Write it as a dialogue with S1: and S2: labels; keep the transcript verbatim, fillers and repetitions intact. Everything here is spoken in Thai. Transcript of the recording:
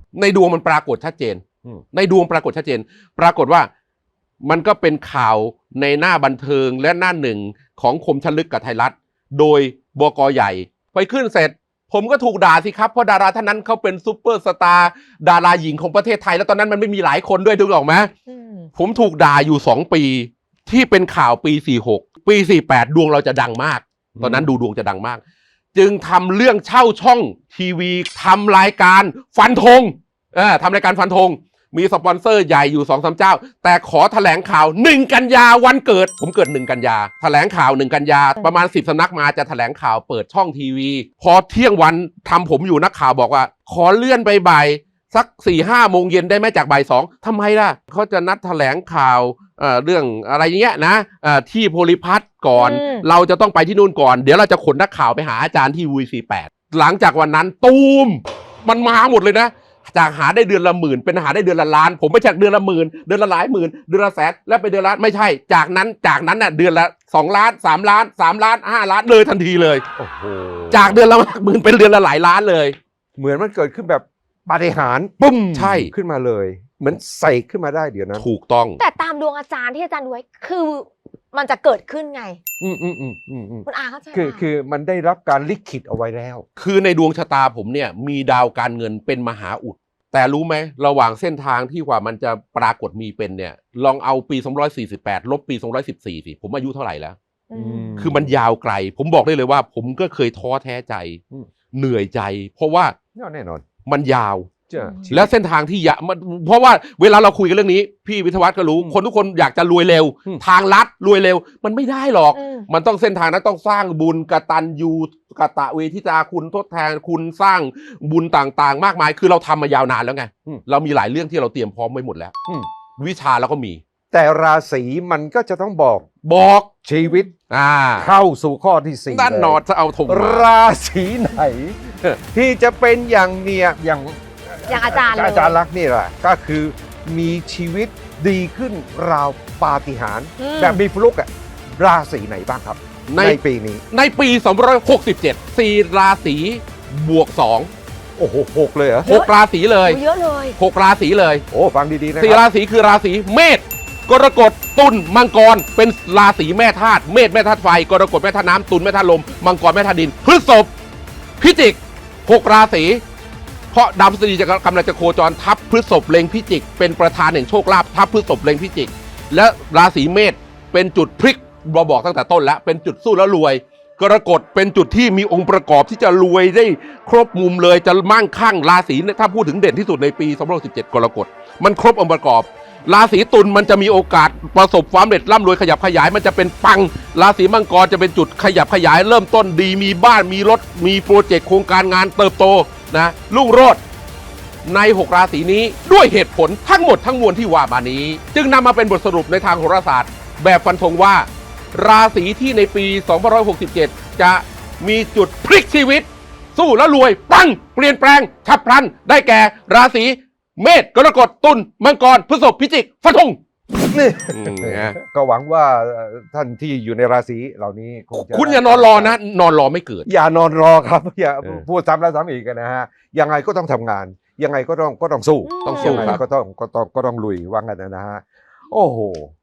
S1: ในดวงมันปรากฏชัดเจนในดวงปรากฏชัดเจนปรากฏว่ามันก็เป็นข่าวในหน้าบันเทิงและหน้าหนึ่งของคมชลึกกับไทยรัฐโดยบก.ใหญ่ไปขึ้นเสร็จผมก็ถูกด่าสิครับเพราะดาราท่านนั้นเขาเป็นซุปเปอร์สตาร์ดาราหญิงของประเทศไทยแล้วตอนนั้นมันไม่มีหลายคนด้วยถูกหรอกไหมผมถูกด่าอยู่สองปีที่เป็นข่าวปีสี่หกปีสี่แปดดวงเราจะดังมากตอนนั้นดูดวงจะดังมากจึงทำเรื่องเช่าช่องทีวีทำรายการฟันธงเออทำรายการฟันธงมีสปอนเซอร์ใหญ่อยู่ สองสาม เจ้าแต่ขอแถลงข่าวหนึ่งกันยาวันเกิดผมเกิดหนึ่งกันยาแถลงข่าวหนึ่งกันยาประมาณสิบสำนักมาจะแถลงข่าวเปิดช่องทีวีพอเที่ยงวันทำผมอยู่นักข่าวบอกว่าขอเลื่อนไปบ่ายสัก สี่ห้า โมงเย็นได้ไหมจากบ่ายสองทำไมล่ะเขาจะนัดแถลงข่าวเอ่อเรื่องอะไรอย่างเงี้ยนะเอ่อที่โพลิพัทก่อนเราจะต้องไปที่นู่นก่อนเดี๋ยวเราจะขนนักข่าวไปหาอาจารย์ที่ วี สี่แปด หลังจากวันนั้นตูมมันมาหมดเลยนะจากหาได้เดือนละหมื่นเป็นหาได้เดือนละล้านผมไม่จากเดือนละหมื่นเดือนละหลายหมื่นเดือนละแสนแล้วไปเดือนละไม่ใช่จากนั้นจากนั้นน่ะเดือนละสองล้านสามล้านสามล้านห้าล้านเลยทันทีเลยโอ้โหจากเดือนละหมื่นเป็นเดือนละหลายล้านเลย
S2: เหมือนมันเกิดขึ้นแบบปาฏิหาริย์
S1: ปุ้มใช่
S2: ขึ้นมาเลยเหมือนใส่ขึ้นมาได้เดี๋ยวนั้น
S1: ถูกต้อง
S3: แต่ตามดวงอาจารย์ที่อาจารย์ดูไว้คือมันจะเกิดขึ้นไง
S2: อืมอืมอืมอืม
S3: คุณอาเข้าใจ
S2: คือคือมันได้รับการลิขิตเอาไว้แล้ว
S1: คือในดวงชะตาผมเนี่ยมีดาวการเงินเป็นมหาอุดแต่รู้ไหมระหว่างเส้นทางที่กว่ามันจะปรากฏมีเป็นเนี่ยลองเอาปีสองร้อยสี่สิบแปดลบปีสองร้อยสิบสี่สิผมอายุเท่าไหร่แล้วคือมันยาวไกลผมบอกได้เลยว่าผมก็เคยท้อแท้ใจเหนื่อยใจเพราะว่า
S2: แน่นอน
S1: มันยาวแล้วเส้นทางที่ยะมันเพราะว่าเวลาเราคุยกันเรื่องนี้พี่วิทยวัฒน์ก็รู้คนทุกคนอยากจะรวยเร็วทางลัดรวยเร็วมันไม่ได้หรอกมันต้องเส้นทางนั้นต้องสร้างบุญกตัญญูกตเวทิตาคุณทดแทนคุณสร้างบุญต่างๆมากมายคือเราทำมายาวนานแล้วไงเรามีหลายเรื่องที่เราเตรียมพร้อมไว้หมดแล้ววิชาเราก็มี
S2: แต่ราศีมันก็จะต้องบอก
S1: บอก
S2: ชีวิต
S1: อ่า
S2: เข้าสู่ข้อที่สี่
S1: ด้านนอดจะเอาถง
S2: ราศีไหนที่จะเป็นอย่างเนี้ยอย่าง
S3: อย่างอาจารย์
S2: อาจารย์ลักษณ์นี่แหละก็คือมีชีวิตดีขึ้นราวปาฏิหาริย์แบบมีฟลุกอะราศีไหนบ้างครับในปีนี้
S1: ในปีสองพันห้าร้อยหกสิบเจ็ดสี่ราศีบวกสอง
S2: โอ้โหหกเลยเหรอ
S1: หกราศีเลย
S3: เยอะเลย
S1: หกราศีเลย
S2: โอ้ฟังดีๆนะ
S1: สี่ราศีคือราศีเมษกรกฎตุลมังกรเป็นราศีแม่ธาตุเมษแม่ธาตุไฟกรกฎแม่ธาตุน้ำตุลแม่ธาตุลมมังกรแม่ธาตุดินพฤษภพิจิกหกราศีเพราะดาวพฤษฎีจะกำลังจะโคจรทับพฤษภเล็งพิจิกเป็นประธานแห่งโชคลาภทับพฤษภเล็งพิจิกและราศีเมษเป็นจุดพลิกเราบอกตั้งแต่ต้นแล้วเป็นจุดสู้แล้วรวยกรกฎเป็นจุดที่มีองค์ประกอบที่จะรวยได้ครบมุมเลยจะมั่งคั่งราศีถ้าพูดถึงเด่นที่สุดในปีสองพันห้าร้อยสิบเจ็ดกรกฎมันครบองค์ประกอบราศีตุลมันจะมีโอกาสประสบความสำเร็จร่ำรวยขยับขยายมันจะเป็นปังราศีมังกรจะเป็นจุดขยับขยายเริ่มต้นดีมีบ้านมีรถมีโปรเจกต์โครงการงานเติบโตนะรุ่งโรจน์ในหกราศีนี้ด้วยเหตุผลทั้งหมดทั้งมวลที่ว่ามานี้จึงนำมาเป็นบทสรุปในทางโหราศาสตร์แบบฟันธงว่าราศีที่ในปีสองพันห้าร้อยหกสิบเจ็ดจะมีจุดพลิกชีวิตสู้แล้วรวยปังเปลี่ยนแปลงฉับพลันได้แก่ราศีเมษกรกฎตุลมังกรพฤษภพิจิกฟันธง
S2: นี่ก็หวังว่าท่านที่อยู่ในราศีเหล่านี้คงจะ
S1: คุณอย่านอนรอนะนอนรอไม่เกิด
S2: อย่านอนรอครับอย่าพูดซ้ำแล้วซ้ำอีกนะฮะยังไงก็ต้องทำงานยังไงก็ต้องก็ต้องสู้
S1: ต้องสู้
S2: ก็ต้องก็ต้องก็ต้องลุยว่างั้นนะฮะโอ้โห